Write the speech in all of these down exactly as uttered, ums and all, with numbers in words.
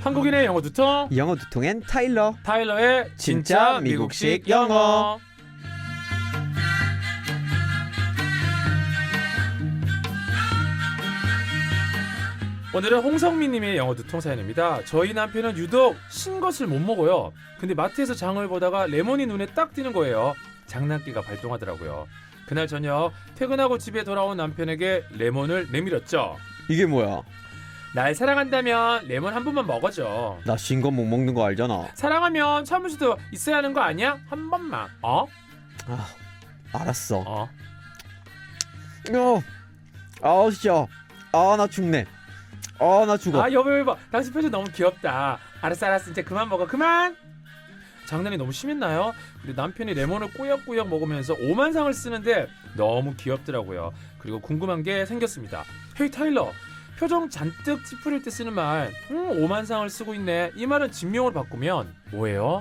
한국인의 영어 두통 영어 두통엔 타일러 타일러의 진짜 미국식 영어. 오늘은 홍성민님의 영어 두통 사연입니다. 저희 남편은 유독 신 것을 못 먹어요. 근데 마트에서 장을 보다가 레몬이 눈에 딱 띄는 거예요. 장난기가 발동하더라고요. 그날 저녁 퇴근하고 집에 돌아온 남편에게 레몬을 내밀었죠. 이게 뭐야? 날 사랑한다면 레몬 한 번만 먹어줘. 나 신 거 못 먹는 거 알잖아. 사랑하면 참을 수도 있어야 하는 거 아니야? 한 번만. 어? 아, 알았어. 어. 어, 아우 진짜. 아, 나 죽네. 아, 나 죽어. 아 여보 여보 당신 표정 너무 귀엽다. 알았어 알았어 이제 그만 먹어 그만. 장난이 너무 심했나요? 근데 남편이 레몬을 꾸역꾸역 먹으면서 오만상을 쓰는데 너무 귀엽더라고요. 그리고 궁금한 게 생겼습니다. 헤이 타일러, 표정 잔뜩 찌푸릴 때 쓰는 말 음, 오만상을 쓰고 있네. 이 말은 진명으로 바꾸면 뭐예요?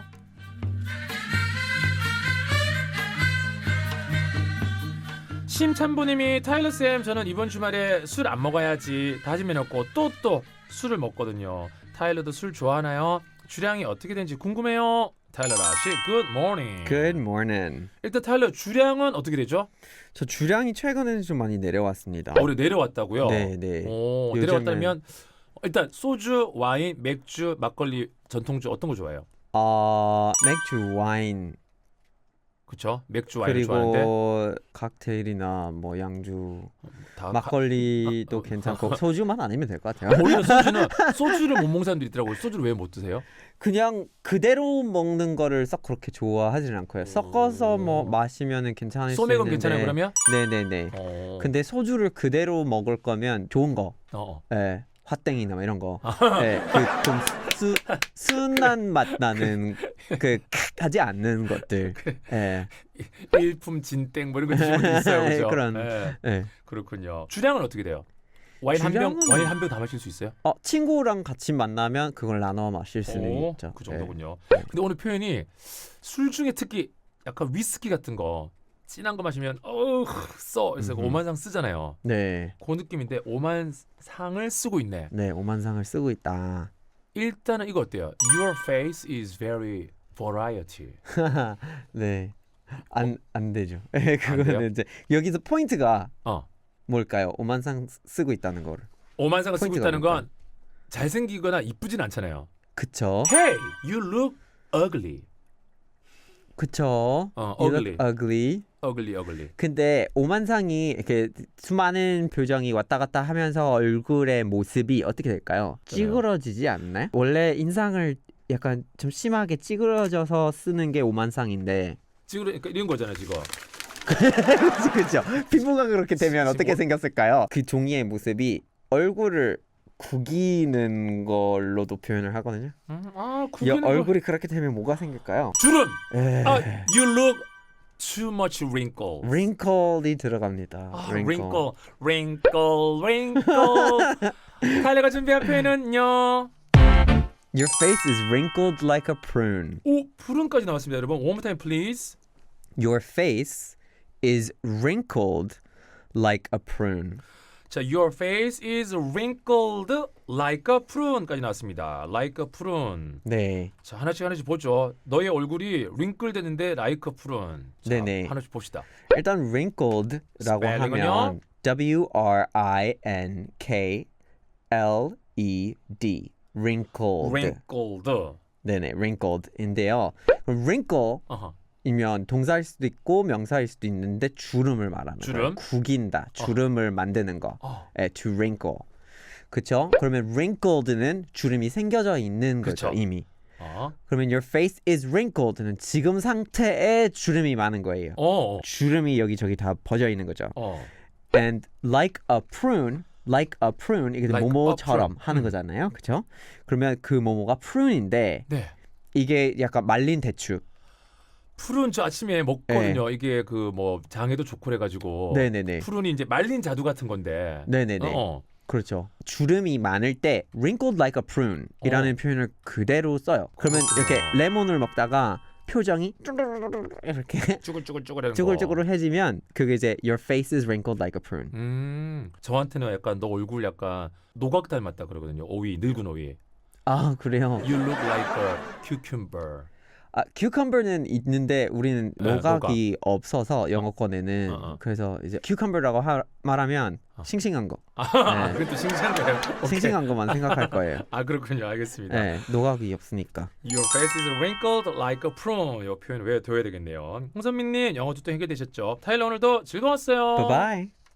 심찬보님이 타일러쌤 저는 이번 주말에 술 안 먹어야지 다짐해놓고 또 또 술을 먹거든요. 타일러도 술 좋아하나요? 주량이 어떻게 되는지 궁금해요. 타일러 라씨 good morning. Good morning. 일단 타일러 주량은 어떻게 되죠? 저 주량이 최근에는 좀 많이 내려왔습니다. 어, 내려왔다고요? 네, 네. 오, 요즘은- 내려왔다면 일단 소주, 와인, 맥주, 막걸리, 전통주 어떤 거 좋아해요? 아, 맥주, 와인 그렇죠? 맥주, 와인을 좋아하는데 그리고 칵테일이나 뭐 양주, 다 막걸리도 가- 괜찮고 소주만 아니면 될 것 같아요. 오히려 소주는 소주를 못 먹는 사람들이 있더라고요. 소주를 왜 못 드세요? 그냥 그대로 먹는 거를 썩 그렇게 좋아하지는 않고요. 섞어서 뭐 마시면은 괜찮을 수 소맥은 있는데. 괜찮아요 그러면? 네네네. 어. 근데 소주를 그대로 먹을 거면 좋은 거, 어. 예, 화땡이나 뭐 이런 거, 예, 그좀 순한 맛 나는 그 하지 않는 것들, 예, 일품 진땡 뭐 이런 거 드시는 분 있어요, 그렇죠? 그런, 네, 예. 그렇군요. 주량은 어떻게 돼요? 와인 한 병, 주량은- 와인 한 병 다 마실 수 있어요? 어, 친구랑 같이 만나면 그걸 나눠 마실 수는 오, 있죠. 그 예. 정도군요. 네. 근데 오늘 표현이 술 중에 특히 약간 위스키 같은 거 진한 거 마시면 어우 써 그래서 음흠. 오만상 쓰잖아요. 네, 그 느낌인데 오만상을 쓰고 있네. 네, 오만상을 쓰고 있다. 일단은 이거 어때요? Your face is very variety. 네, 안 안 되죠. 예, 돼요? 그거는 이제 여기서 포인트가 어. 뭘까요? 오만상 쓰- 쓰고 있다는 거를. 오만상을 쓰고 포인트가 있다는 건 잘생기거나 이쁘진 않잖아요. 그쵸? Hey, you look ugly. 그쵸? 어, You ugly. look ugly. ugly, ugly. 근데 오만상이 이렇게 수많은 표정이 왔다 갔다 하면서 얼굴의 모습이 어떻게 될까요? 찌그러지지 않나요? 원래 인상을 약간 좀 심하게 찌그러져서 쓰는 게 오만상인데. 지금 그러니까 이런 거잖아요, 지금. 그렇죠. 피부가 그렇게 되면 지금 어떻게 뭐- 생겼을까요? 그 종이의 모습이 얼굴을 구기는 걸로도 표현을 하거든요. 음, 아, 야, 구기는 거. 얼굴이 그렇게 되면 뭐가 생길까요? 주름. 에... 아, you look too much wrinkles. wrinkle이 들어갑니다. 아, wrinkle. wrinkle, wrinkle, wrinkle. 타일러가 준비한 표현은요. Your face is wrinkled like a prune. 오, 푸른까지 나왔습니다, 여러분. One more time, please. Your face is wrinkled like a prune. 자, your face is wrinkled like a prune까지 나왔습니다. Like a prune. 네. 자, 하나씩 하나씩 보죠. 너의 얼굴이 wrinkle 됐는데 like a prune. 자, 네네. 하나씩 봅시다. 일단 wrinkled라고 스펠링은요? 하면 W R I N K L E D. wrinkled. wrinkled. 네네, wrinkled인데요. 그럼 wrinkle 어허. 이면 동사일 수도 있고 명사일 수도 있는데 주름을 말하는 주름? 거예요. 구긴다, 주름을 만드는 거. 어. 예, to wrinkle. 그쵸? 그러면 wrinkled는 주름이 생겨져 있는 거죠, 그쵸. 이미. 어. 그러면 your face is wrinkled는 지금 상태에 주름이 많은 거예요. 어. 주름이 여기저기 다 퍼져 있는 거죠. 어. And like a prune, like a prune 이게 Like 모모처럼 a prune. 하는 음. 거잖아요. 그쵸? 그러면 그 모모가 prune인데 네. 이게 약간 말린 대추. 푸른 저 아침에 먹거든요. 이게 그 뭐 장에도 좋고 그래가지고. 네네네. 푸른이 이제 말린 자두 같은 건데. 네네네. 어. 그렇죠. 주름이 많을 때 wrinkled like a prune 이라는 어. 표현을 그대로 써요. 그러면 그렇구나. 이렇게 레몬을 먹다가 표정이 이렇게 쭈글쭈글쭈글하는 거. 쭈글쭈글해지면 그게 이제 your face is wrinkled like a prune. 음, 저한테는 약간 너 얼굴 약간 노각 닮았다 그러거든요. 오이, 늙은 오이. 아 그래요. You look like a cucumber. 아 cucumber는 있는데 우리는 네, 노각이 없어서 영어권에는 어, 어. 그래서 이제 cucumber라고 하, 말하면 어. 싱싱한 거, 아, 네. 그것도 싱싱한 거예요. 오케이. 싱싱한 것만 생각할 거예요. 아 그렇군요. 알겠습니다. 네, 노각이 없으니까. Your face is wrinkled like a prune. 이 표현 외워둬야 되겠네요. 홍선민님 영어 두통 해결되셨죠? 타일러 오늘도 즐거웠어요. Bye bye.